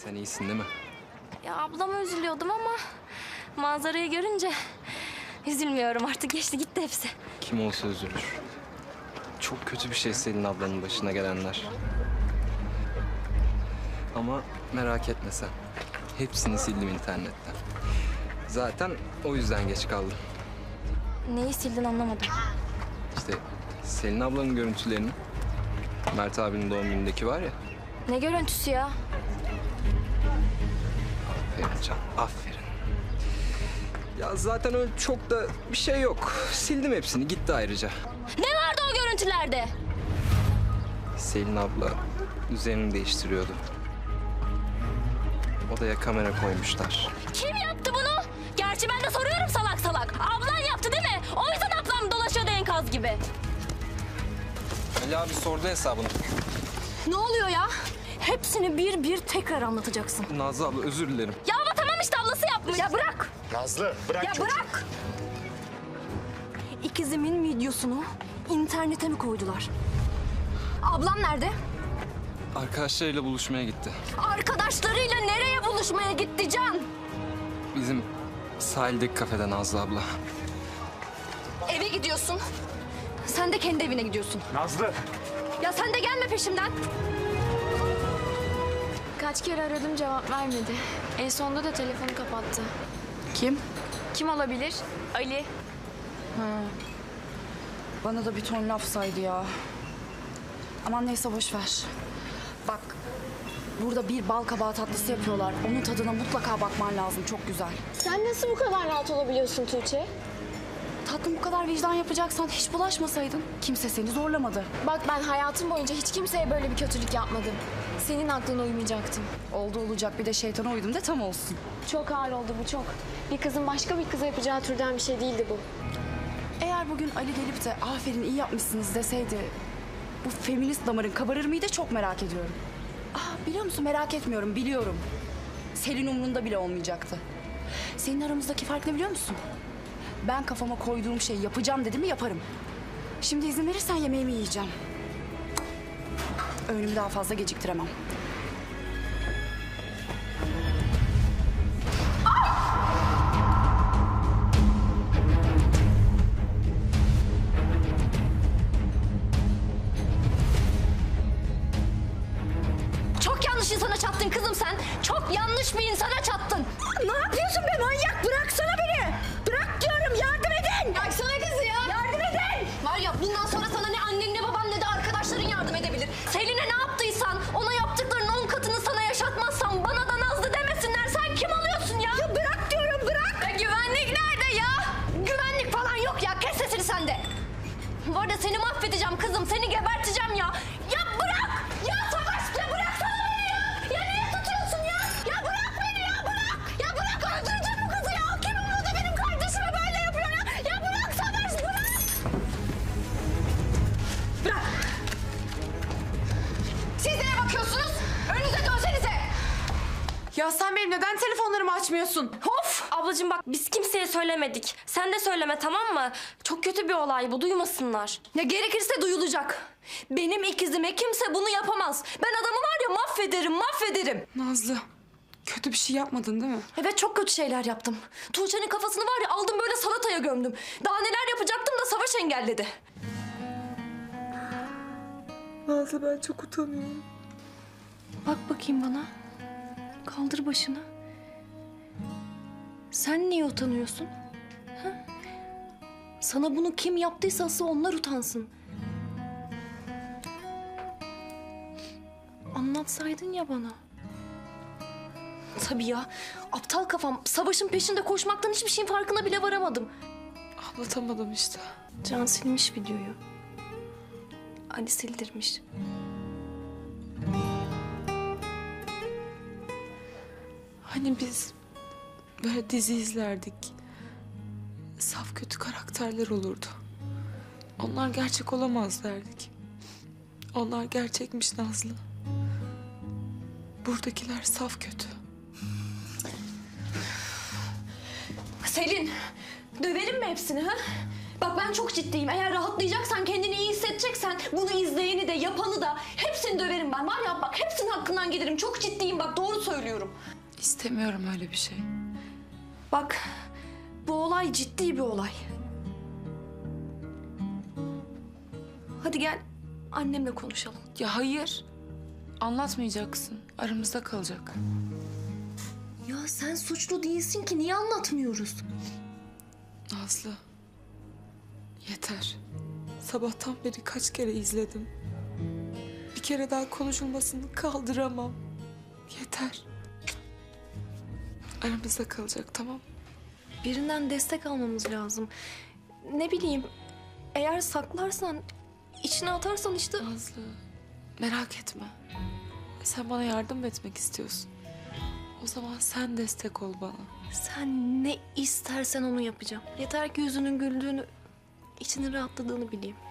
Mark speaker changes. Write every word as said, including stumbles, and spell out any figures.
Speaker 1: Sen iyisin değil mi?
Speaker 2: Ya ablama üzülüyordum ama manzarayı görünce üzülmüyorum artık. Geçti gitti hepsi.
Speaker 1: Kim olsa üzülür. Çok kötü bir şey Selin ablanın başına gelenler. Ama merak etme sen. Hepsini sildim internetten. Zaten o yüzden geç kaldım.
Speaker 2: Neyi sildin anlamadım.
Speaker 1: İşte Selin ablanın görüntülerini. Mert abinin doğum günündeki var ya.
Speaker 2: Ne görüntüsü ya?
Speaker 1: Aferin Can, aferin. Ya zaten öyle çok da bir şey yok. Sildim hepsini, gitti ayrıca.
Speaker 2: Ne vardı o görüntülerde?
Speaker 1: Selin abla üzerini değiştiriyordu. Odaya kamera koymuşlar.
Speaker 2: Kim yaptı bunu? Gerçi ben de soruyorum salak salak. Ablan yaptı değil mi? O yüzden ablam dolaşıyordu enkaz gibi.
Speaker 1: Ali abi sordu hesabını.
Speaker 2: Ne oluyor ya? Hepsini bir bir tekrar anlatacaksın.
Speaker 1: Nazlı abla özür dilerim.
Speaker 2: Ya ama tamam işte ablası yapmış. Ya bırak.
Speaker 3: Nazlı bırak
Speaker 2: Ya
Speaker 3: çocuğu.
Speaker 2: bırak. İkizimin videosunu internete mi koydular? Ablam nerede?
Speaker 1: Arkadaşlarıyla buluşmaya gitti.
Speaker 2: Arkadaşlarıyla nereye buluşmaya gitti Can?
Speaker 1: Bizim sahildeki kafede Nazlı abla.
Speaker 2: Eve gidiyorsun. Sen de kendi evine gidiyorsun.
Speaker 3: Nazlı.
Speaker 2: Ya sen de gelme peşimden.
Speaker 4: Kaç kere aradım cevap vermedi. En sonunda da telefonu kapattı.
Speaker 5: Kim?
Speaker 4: Kim olabilir? Ali.
Speaker 5: Bana da bir ton laf saydı ya. Aman neyse boş ver. Bak burada bir bal kabağı tatlısı yapıyorlar. Onun tadına mutlaka bakman lazım. Çok güzel.
Speaker 4: Sen nasıl bu kadar rahat olabiliyorsun Tuğçe?
Speaker 5: Tatlım bu kadar vicdan yapacaksan hiç bulaşmasaydın. Kimse seni zorlamadı.
Speaker 4: Bak ben hayatım boyunca hiç kimseye böyle bir kötülük yapmadım. Senin aklına uymayacaktım.
Speaker 5: Oldu olacak bir de şeytana uydum da tam olsun.
Speaker 4: Çok ağır oldu bu çok. Bir kızın başka bir kıza yapacağı türden bir şey değildi bu.
Speaker 5: Eğer bugün Ali gelip de aferin iyi yapmışsınız deseydi... ...bu feminist damarın kabarır mıydı çok merak ediyorum. Ah biliyor musun merak etmiyorum biliyorum. Selin umrunda bile olmayacaktı. Senin aramızdaki fark ne biliyor musun? Ben kafama koyduğum şeyi yapacağım dedim mi yaparım. Şimdi izin verirsen yemeğimi yiyeceğim. Öğünümü daha fazla geciktiremem.
Speaker 2: Çok yanlış insana çattın kızım sen. Çok yanlış bir insana çattın. Ne yapıyorsun be manyak? Bıraksana beni. Bırak diyorum yardım edin. Bıraksana kızı ya. Yardım edin. Var ya bundan sonra sana ne annen ne baban ne de arkadaşların yardım edebilir. Selin'e ne yaptıysan ona yaptıklarının on katını sana yaşatmazsan bana da Nazlı demesinler. Sen kim oluyorsun ya? Ya bırak diyorum bırak. Ya güvenlik nerede ya? Güvenlik falan yok ya. Kes sesini sen de. Bu arada seni mahvedeceğim kızım. Seni geberteceğim ya. Ya bırak. Ya Savaş ya bıraksana beni ya. Ya niye tutuyorsun ya? Ya bırak beni ya bırak. Ya bırak öldüreceğim bu kızı ya. Kim umurda benim kardeşime böyle yapıyor ya. Ya bırak Savaş bırak. Bırak. Siz neye bakıyorsunuz? Önünüze dönsenize.
Speaker 6: Ya sen benim neden telefonlarımı açmıyorsun?
Speaker 2: Of! Ablacığım bak biz kimseye söylemedik. Sen de söyleme tamam mı? Çok kötü bir olay bu duymasınlar. Ya gerekirse duyulacak. Benim ikizime kimse bunu yapamaz. Ben adamı var ya mahvederim mahvederim.
Speaker 6: Nazlı, kötü bir şey yapmadın değil mi?
Speaker 2: Evet çok kötü şeyler yaptım. Tuğçe'nin kafasını var ya aldım böyle salataya gömdüm. Daha neler yapacaktım da Savaş engelledi.
Speaker 6: Nazlı ben çok utanıyorum.
Speaker 2: Bak bakayım bana. Kaldır başını. Sen niye utanıyorsun? Ha? Sana bunu kim yaptıysa asıl onlar utansın. Anlatsaydın ya bana. Tabii ya. Aptal kafam. Savaşın peşinde koşmaktan hiçbir şeyin farkına bile varamadım.
Speaker 6: Anlatamadım işte.
Speaker 2: Can silmiş videoyu. Ali sildirmiş.
Speaker 6: Hani biz böyle dizi izlerdik. Saf kötü karakterler olurdu. Onlar gerçek olamaz derdik. Onlar gerçekmiş Nazlı. Buradakiler saf kötü.
Speaker 2: Selin, dövelim mi hepsini ha? Bak ben çok ciddiyim. Eğer rahatlayacaksan, kendini iyi hissedeceksen bunu izleyeni de yapanı da hepsini döverim ben. Var ya bak hepsinin hakkından gelirim. Çok ciddiyim bak doğru söylüyorum.
Speaker 6: İstemiyorum öyle bir şey.
Speaker 2: Bak, bu olay ciddi bir olay. Hadi gel annemle konuşalım.
Speaker 6: Ya hayır. Anlatmayacaksın. Aramızda kalacak.
Speaker 2: Ya sen suçlu değilsin ki, niye anlatmıyoruz?
Speaker 6: Nazlı. Yeter. Sabahtan beri kaç kere izledim. Bir kere daha konuşulmasını kaldıramam. Yeter. Aramızda kalacak, tamam mı?
Speaker 2: Birinden destek almamız lazım. Ne bileyim, eğer saklarsan, içine atarsan işte...
Speaker 6: Nazlı, merak etme. Sen bana yardım etmek istiyorsun. O zaman sen destek ol bana.
Speaker 2: Sen ne istersen onu yapacağım. Yeter ki yüzünün güldüğünü, içinin rahatladığını bileyim.